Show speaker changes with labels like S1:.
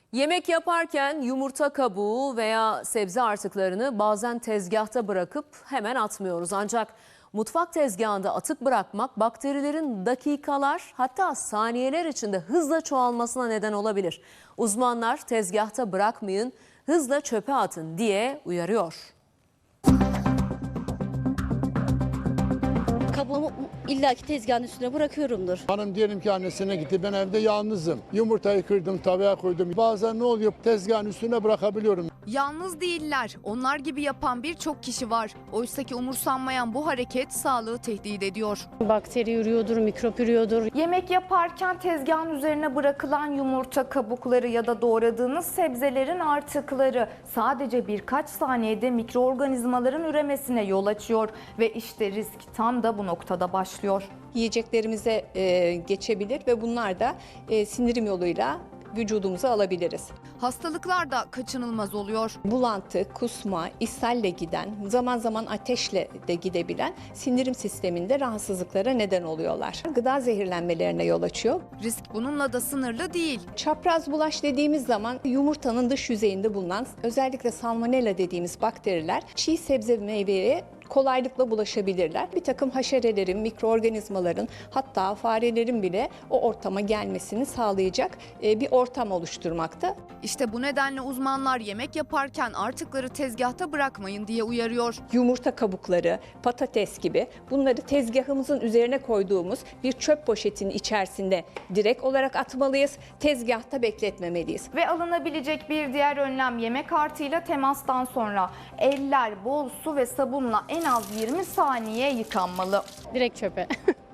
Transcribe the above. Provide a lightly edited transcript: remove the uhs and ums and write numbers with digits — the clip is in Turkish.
S1: Yemek yaparken yumurta kabuğu veya sebze artıklarını bazen tezgahta bırakıp hemen atmıyoruz. Ancak mutfak tezgahında atık bırakmak bakterilerin dakikalar hatta saniyeler içinde hızla çoğalmasına neden olabilir. Uzmanlar tezgahta bırakmayın, hızla çöpe atın diye uyarıyor.
S2: Kabuğumu illaki tezgahın üstüne bırakıyorumdur.
S3: Hanım diyelim ki annesine gitti, ben evde yalnızım. Yumurtayı kırdım, tavaya koydum. Bazen ne oluyor, tezgahın üstüne bırakabiliyorum.
S4: Yalnız değiller. Onlar gibi yapan birçok kişi var. Oysaki umursanmayan bu hareket sağlığı tehdit ediyor.
S5: Bakteri yürüyordur, mikrop yürüyordur.
S6: Yemek yaparken tezgahın üzerine bırakılan yumurta kabukları ya da doğradığınız sebzelerin artıkları sadece birkaç saniyede mikroorganizmaların üremesine yol açıyor ve işte risk tam da bu noktada başlıyor.
S7: Yiyeceklerimize geçebilir ve bunlar da sindirim yoluyla vücudumuza alabiliriz.
S4: Hastalıklar da kaçınılmaz oluyor.
S7: Bulantı, kusma, ishalle giden, zaman zaman ateşle de gidebilen sindirim sisteminde rahatsızlıklara neden oluyorlar. Gıda zehirlenmelerine yol açıyor.
S4: Risk bununla da sınırlı değil.
S7: Çapraz bulaş dediğimiz zaman yumurtanın dış yüzeyinde bulunan özellikle salmonella dediğimiz bakteriler çiğ sebze ve meyveye kolaylıkla bulaşabilirler. Bir takım haşerelerin, mikroorganizmaların hatta farelerin bile o ortama gelmesini sağlayacak bir ortam oluşturmakta.
S4: İşte bu nedenle uzmanlar yemek yaparken artıkları tezgahta bırakmayın diye uyarıyor.
S7: Yumurta kabukları, patates gibi bunları tezgahımızın üzerine koyduğumuz bir çöp poşetinin içerisinde direkt olarak atmalıyız. Tezgahta bekletmemeliyiz.
S6: Ve alınabilecek bir diğer önlem yemek artığıyla temastan sonra eller bol su ve sabunla en az 20 saniye yıkanmalı.
S5: Direkt çöpe.